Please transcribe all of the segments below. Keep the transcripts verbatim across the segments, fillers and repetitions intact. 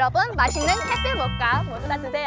여러분 맛있는 캐슬 모카 모두 다 드세요.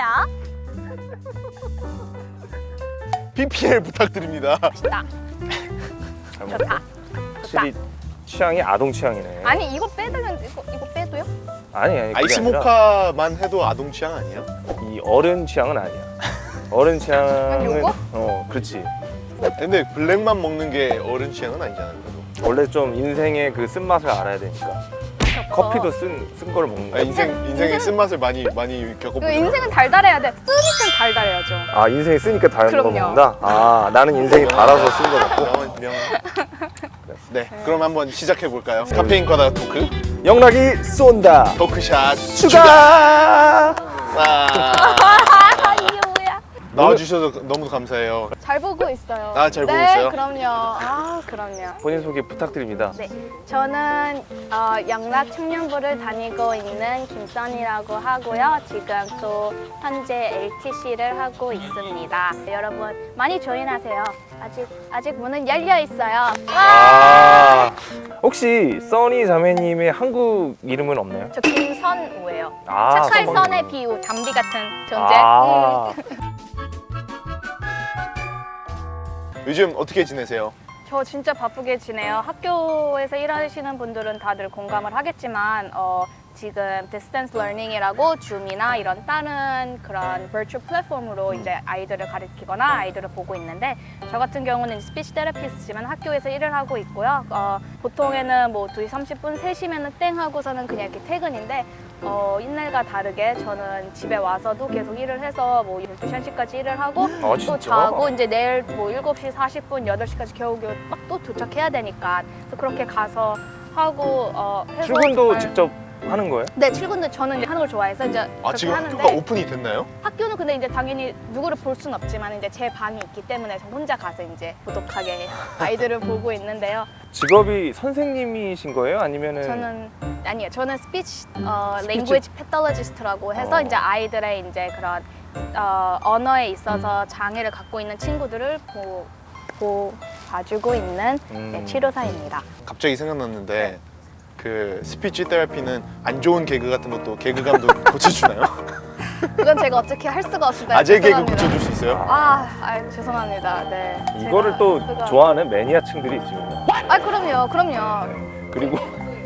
피피엘 부탁드립니다. 맛있다. 좋다. 확실히 취향이 아동 취향이네. 아니 이거 빼드는 이거 이거 빼도요? 아니 아니. 그게 아이스 아니라 모카만 해도 아동 취향 아니에요? 이 어른 취향은 아니야. 어른 취향은 요거? 어 그렇지. 근데 블랙만 먹는 게 어른 취향은 아니잖아요. 그래도. 원래 좀 인생의 그 쓴맛을 알아야 되니까. 커피도 쓴, 쓴 거를 먹는 아, 거야. 인생 인생의 인생은- 쓴맛을 많이 많이 그 겪어보죠. 인생은 달달해야 돼. 쓰니까 달달해야죠. 아 인생이 쓰니까 다른 거 그럼요. 먹는다? 아 나는 인생이 달아서 쓴 거 먹고. 명언 명. 네, 그럼 한번 시작해 볼까요? 카페인 과다 토크, 영락이 쏜다. 토크샷 추가. 아, 아 이게 뭐야? 나와주셔서 너무 감사해요. 잘 보고 있어요. 아, 잘 보고 네, 있어요? 그럼요. 아 그럼요. 본인 소개 부탁드립니다. 네, 저는 어, 영락 청년부를 다니고 있는 김선이라고 하고요. 지금 또 현재 엘티씨를 하고 있습니다. 여러분 많이 조인하세요. 아직 아직 문은 열려 있어요. 와! 아 혹시 써니 자매님의 한국 이름은 없나요? 저 김선우예요. 아, 착할 선방님. 선의 비유, 담비 같은 존재. 아, 음. 요즘 어떻게 지내세요? 저 진짜 바쁘게 지내요. 학교에서 일하시는 분들은 다들 공감을 하겠지만 어, 지금 디스턴스 러닝이라고 줌이나 이런 다른 그런 버추얼 플랫폼으로 이제 아이들을 가르치거나 아이들을 보고 있는데 저 같은 경우는 스피치 테라피스트지만 학교에서 일을 하고 있고요. 어, 보통에는 뭐 두 시 삼십 분, 세 시면은 땡 하고서는 그냥 이렇게 퇴근인데 어, 옛날과 다르게 저는 집에 와서도 계속 일을 해서 뭐 열두 시, 한 시까지 일을 하고 아, 또 진짜? 자고 이제 내일 뭐 일곱 시 사십 분, 여덟 시까지 겨우겨우 막 또 도착해야 되니까 그래서 그렇게 가서 하고 어, 해서 출근도 정말- 직접 하는 거예요? 네, 출근도 저는 이제 하는 걸 좋아해서 이제 아 그렇게 지금 하는데 학교가 오픈이 됐나요? 학교는 근데 이제 당연히 누구를 볼 수는 없지만 이제 제 방이 있기 때문에 저 혼자 가서 이제 고독하게 아이들을 보고 있는데요. 직업이 선생님이신 거예요? 아니면은 저는 아니요, 저는 스피치 어, 스피치? 랭귀지 패톨로지스트라고 해서 어. 이제 아이들의 이제 그런 어, 언어에 있어서 장애를 갖고 있는 친구들을 보, 보 봐주고 있는 음. 네, 치료사입니다. 갑자기 생각났는데 네. 그 스피치 테라피는 안 좋은 개그 같은 것도 개그감도 고쳐주나요? 그건 제가 어떻게 할 수가 없습니다. 아재 개그 죄송합니다. 고쳐줄 수 있어요? 아, 아 죄송합니다. 네. 이거를 제가 또 수가- 좋아하는 매니아층들이 있습니다. 아 그럼요, 그럼요. 그리고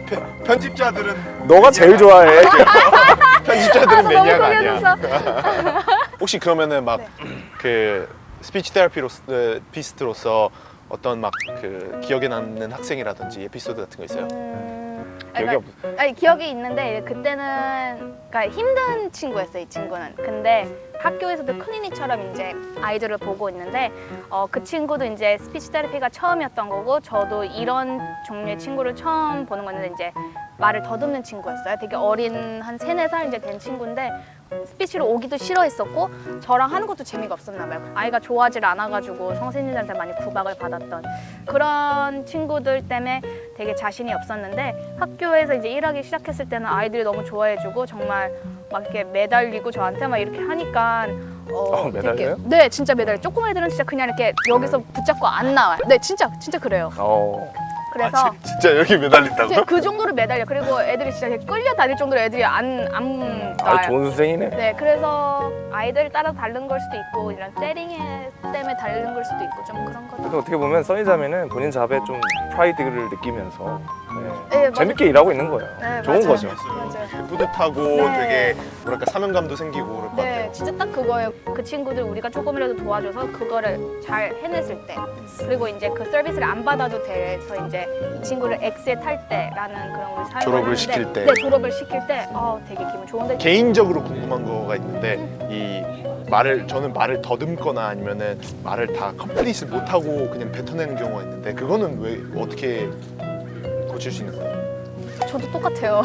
편집자들은 너가 제일 좋아해. 편집자들은 아, 너무 매니아가 아니야. 고개져서. 혹시 그러면은 막 그 스피치 테라피로서 피스트로서 어떤 막 그 기억에 남는 학생이라든지 에피소드 같은 거 있어요? 음, 기억이 그러니까- 없. 아니 기억이 있는데 그때는 그러니까 힘든 친구였어요, 이 친구는. 근데 학교에서도 클리닉처럼 이제 아이들을 보고 있는데 어, 그 친구도 이제 스피치 테라피가 처음이었던 거고 저도 이런 종류의 친구를 처음 보는 건데 이제 말을 더듬는 친구였어요. 되게 어린 한 세네 살 이제 된 친구인데 스피치로 오기도 싫어했었고 저랑 하는 것도 재미가 없었나 봐요. 아이가 좋아하질 않아가지고 선생님들한테 많이 구박을 받았던 그런 친구들 때문에 되게 자신이 없었는데 학교에서 이제 일하기 시작했을 때는 아이들이 너무 좋아해주고 정말 막 이렇게 매달리고 저한테 막 이렇게 하니까 어, 어, 매달려요? 되게- 네, 진짜 매달려. 조금 애들은 진짜 그냥 이렇게 여기서 붙잡고 안 나와요. 네, 진짜 진짜 그래요. 어. 그래서 아, 지- 진짜 여기 매달린다고? 진짜 그 정도로 매달려. 그리고 애들이 진짜 이렇게 끌려다닐 정도로 애들이 안 안 아 놔요. 좋은 선생이네. 네, 그래서 아이들 따라 다른 걸 수도 있고 이런 세팅 때문에 다른 걸 수도 있고 좀 그런 그래서 거죠. 어떻게 보면 써니 자매는 본인 잡에 좀 프라이드를 느끼면서 네, 네, 맞아요. 재밌게 일하고 있는 거예요. 네, 좋은 맞아요. 거죠. 맞아요. 뿌듯하고 네. 되게 뭐랄까 사명감도 생기고 그럴 것 네, 같아요. 진짜 딱 그거예요. 그 친구들 우리가 조금이라도 도와줘서 그거를 잘 해냈을 때, 그리고 이제 그 서비스를 안 받아도 돼서 이제 이 친구를 엑스에 탈 때라는 그런 걸 사용을 졸업을 하는데, 시킬 때. 네, 졸업을 시킬 때, 어, 되게 기분 좋은데. 개인적으로 궁금한 거가 있는데 이 말을 저는 말을 더듬거나 아니면은 말을 다 컴플릿을 못하고 그냥 뱉어내는 경우가 있는데 그거는 왜 어떻게 고칠 수 있는 거예요? 저도 똑같아요.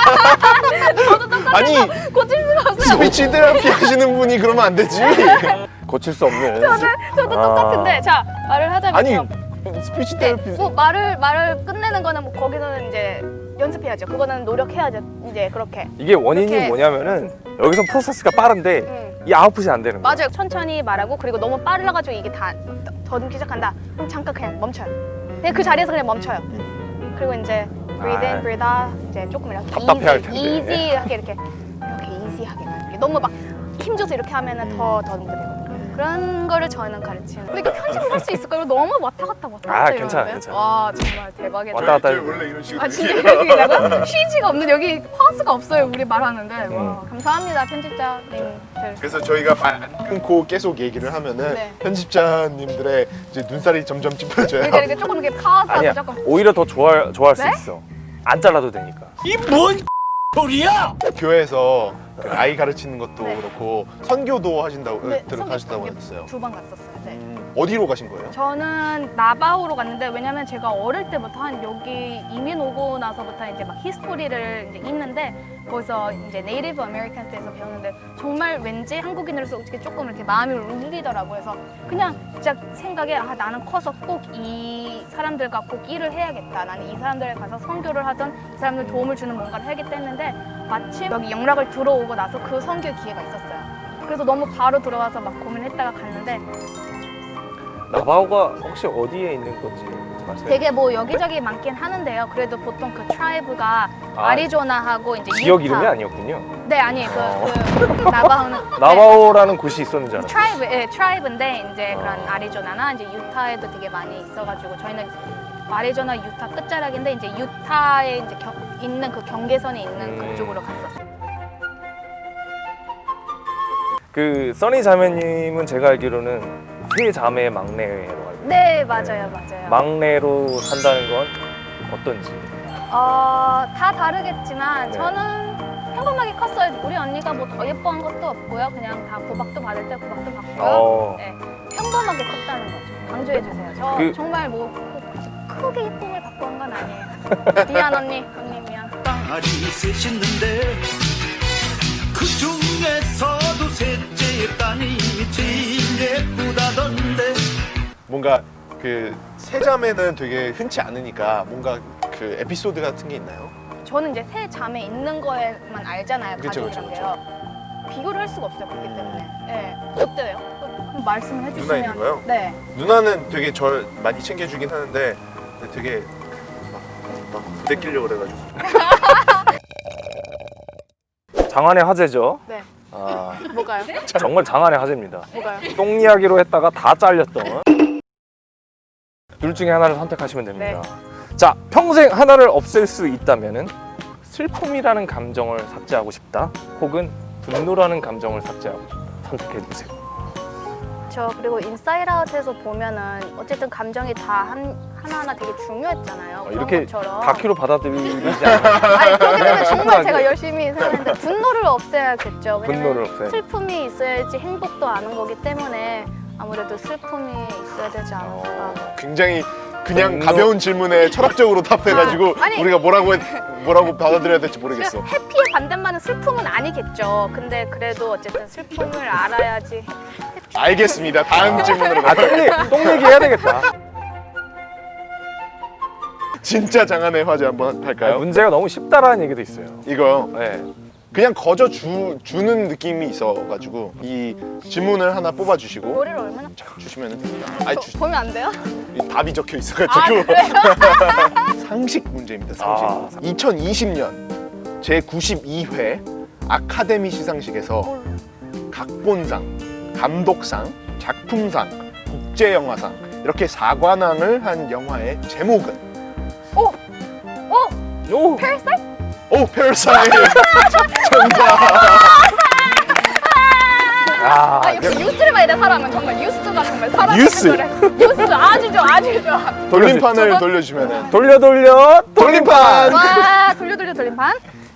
아니 고칠 수가 없어요. 스피치 테라피 하시는 분이 그러면 안 되지. 고칠 수 없는. 저도 아. 똑같은데, 자 말을 하자면요. 아니 스피치 네, 테라피 뭐 말을 말을 끝내는 거는 뭐 거기서는 이제 연습해야죠. 그거는 노력해야죠. 이제 그렇게. 이게 원인이 이렇게- 뭐냐면은 여기서 프로세스가 빠른데 음. 이 아웃풋이 안 되는 거예요. 맞아요. 천천히 말하고 그리고 너무 빨라가지고 이게 다 더듬기 시작한다. 그럼 잠깐 그냥 멈춰요. 그냥 그 자리에서 그냥 멈춰요. 그리고 이제 breathe in, 아. breathe out 이제 조금 이렇게 답답해할 easy, 텐데. easy하게 이렇게 이지하게 가는 게 너무 막 힘줘서 이렇게 하면은 더 더 힘들거든요. 그런 거를 저희는 가르치는. 근데 이게 편집을 할 수 있을까요? 너무 왔다 갔다 왔다 갔다 아, 괜찮아, 이러는데? 괜찮아. 와 정말 대박이다. 왔다 갔다 저희 원래 이런 식으로 아 진짜 얘기해요. 이렇게 얘기하고 쉬지가 없는 여기 파우스가 없어요. 우리 말하는데. 와, 음. 감사합니다 편집자님들. 그래서 저희가 말 안 끊고 계속 얘기를 하면은 네. 편집자님들의 이제 눈살이 점점 찌푸려져요. 이렇게 이렇게 조금 이렇게 파우스하고 아니야. 조금. 오히려 더 좋아 좋아할 수 네? 있어. 안 잘라도 되니까. 교회에서 그 아이 가르치는 것도 네. 그렇고 선교도 하신다고 네, 들어가셨다고 선교 했어요. 두 번 갔었어요. 네. 음, 어디로 가신 거예요? 저는 나바오로 갔는데 왜냐면 제가 어릴 때부터 한 여기 이민 오고 나서부터 이제 막 히스토리를 이제 있는데 거기서 이제 네이티브 아메리칸스에서 배웠는데 정말 왠지 한국인으로서 어떻게 조금 이렇게 마음이 울리더라고요. 그래서 그냥 진짜 생각에 아 나는 커서 꼭 이 사람들과 꼭 일을 해야겠다. 나는 이 사람들에 가서 선교를 하던 이 사람들 도움을 주는 뭔가를 해야겠다 했는데 마침 여기 영락을 들어오고 나서 그 선교 기회가 있었어요. 그래서 너무 바로 들어와서 막 고민했다가 갔는데 나바오가 혹시 어디에 있는 건지 말씀해 되게 뭐 여기저기 많긴 하는데요. 그래도 보통 그 트라이브가 아, 아리조나하고 이제 지역 유타. 이름이 아니었군요. 네 아니에요. 어. 그, 그 나바오는 나바오라는 곳이 있었는지 알았어요. 트라이브, 예, 트라이브인데 이제 어. 그런 아리조나나 이제 유타에도 되게 많이 있어가지고 저희는 아리조나 유타 끝자락인데 이제 유타에 이제 겨, 있는 그 경계선에 있는 음. 그쪽으로 갔었어요. 그 써니 자매님은 제가 알기로는 세 자매의 막내로 알고 있어요. 네 맞아요 맞아요. 막내로 산다는 건 어떤지. 어, 다 다르겠지만 네. 저는 평범하게 컸어요. 우리 언니가 뭐 더 예뻐한 것도 없고요. 그냥 다 구박도 받을 때 구박도 받고요. 어. 네, 평범하게 컸다는 거죠. 강조해 주세요. 저 그- 정말 뭐 크- 크게 예쁨을 받고 한 건 아니에요. 미안 언니, 언니 미안. 딸이 셋있는데 그 중에서도 셋째 딸이 제일 예쁘다던데. 뭔가 그 세자매는 되게 흔치 않으니까 뭔가 그 에피소드 같은 게 있나요? 저는 이제 세 자매 있는 거에만 알잖아요. 그쵸, 가족이란 그쵸, 게요. 비교를 할 수가 없어요. 그렇기 음. 때문에. 네. 어때요? 그럼 말씀을 해주시면. 누나 있는 거요? 네. 누나는 되게 절 많이 챙겨주긴 하는데 되게 막, 막 부대끼려고 그래가지고 장안의 화제죠. 네. 아, 뭐가요? 정말 장안의 화제입니다. 뭐가요? 똥 이야기로 했다가 다 잘렸던. 둘 중에 하나를 선택하시면 됩니다. 자, 평생 하나를 없앨 수 있다면은 슬픔이라는 감정을 삭제하고 싶다, 혹은 분노라는 감정을 삭제하고 싶다. 선택해 주세요. 저 그리고 인사이드 아웃에서 보면은 어쨌든 감정이 다 한, 하나하나 되게 중요했잖아요. 그런 이렇게 것처럼. 다큐로 받아들이지 않아요. 아니 그렇게 되면 정말 제가 열심히 살았는데 분노를 없애야겠죠. 왜냐면 분노를 없애야 슬픔이 있어야지 행복도 아는 거기 때문에 아무래도 슬픔이 있어야 되지 않을까. 굉장히 그냥 분노. 가벼운 질문에 철학적으로 답해가지고 아, 아니. 우리가 뭐라고 했, 뭐라고 받아들여야 될지 모르겠어. 해피의 반대말은 슬픔은 아니겠죠. 근데 그래도 어쨌든 슬픔을 알아야지. 알겠습니다. 다음 질문으로 아, 가요. 똥, 얘기, 똥 얘기 해야 되겠다. 진짜 장안의 화제 한번 할까요? 문제가 너무 쉽다라는 얘기도 있어요. 이거요. 네. 그냥 거저 주, 주는 느낌이 있어가지고 이 질문을 하나 뽑아주시고 머리를 얼마나 자, 주시면 됩니다. 아니, 저, 주, 보면 안 돼요? 이 답이 적혀 아 있어가지고 그래요? 상식 문제입니다. 상식. 아. 이천이십 년 제구십이 회 아카데미 시상식에서 각본상, 감독상, 작품상, 국제영화상 이렇게 사관왕을 한 영화의 제목은? 오! 오! 오! 페르사이트? 오, 페르사이트! 정답! 아, 아 역시 뉴스를 봐야 돼 사람은 정말 뉴스가 정말 사람 뉴스. 뉴스 아주 좋아 아주 좋아. 돌림판을 저거? 돌려주면은 돌려 돌려 돌림판! 와 돌려 돌려 돌림판.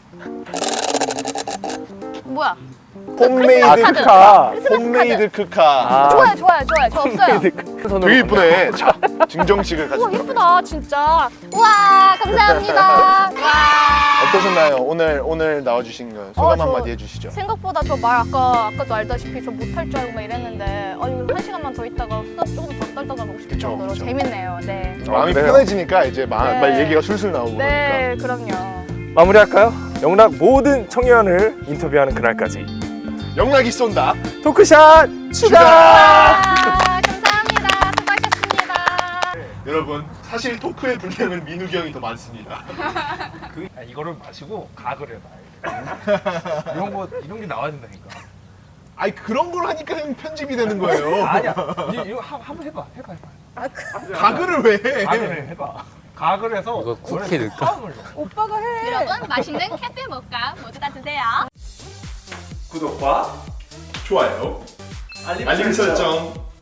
뭐야? 홈메이드 아, 카드. 크카. 크리스마스 홈메이드 크카. 아. 좋아요 좋아요 좋아요 저 없어요. 손으로 되게 이쁘네. 자, 증정식을 가지고. 우와 예쁘다 진짜. 와 감사합니다. 와. 어떠셨나요? 오늘 오늘 나와주신 거 소감 어, 저- 한마디 해주시죠. 생각보다 저 말 아까 아까도 알다시피 저 못할 줄 알고 막 이랬는데 아 이거 한 시간만 더 있다가 수다 조금 더 떨다가 가고 싶을 그쵸, 정도로 그쵸. 재밌네요. 네. 마음이 그래요? 편해지니까 이제 마, 네. 말 얘기가 술술 나오고 네 그럼요. 마무리할까요? 영락 모든 청년을 인터뷰하는 그날까지 그러니까. 영락이 쏜다. 토크샷 추가! 와 감사합니다. 수고하셨습니다. 여러분 사실 토크의 분량은 민욱이 형이 더 많습니다. 그, 아, 이거를 마시고 가글 해봐. 이런 거 이런 게 나와야 된다니까. 아니 그런 걸 하니까 형 편집이 되는 거예요. 아니야. 이- 이거 한- 한번 해봐. 해봐 해봐. 가글을 왜 해? 가글을 해봐. 가글 해서 이거 쿠키 넣을까? 오빠가 해. 여러분 맛있는 캐페 모카 모두 다 드세요. 구독과 좋아요, 알림 설정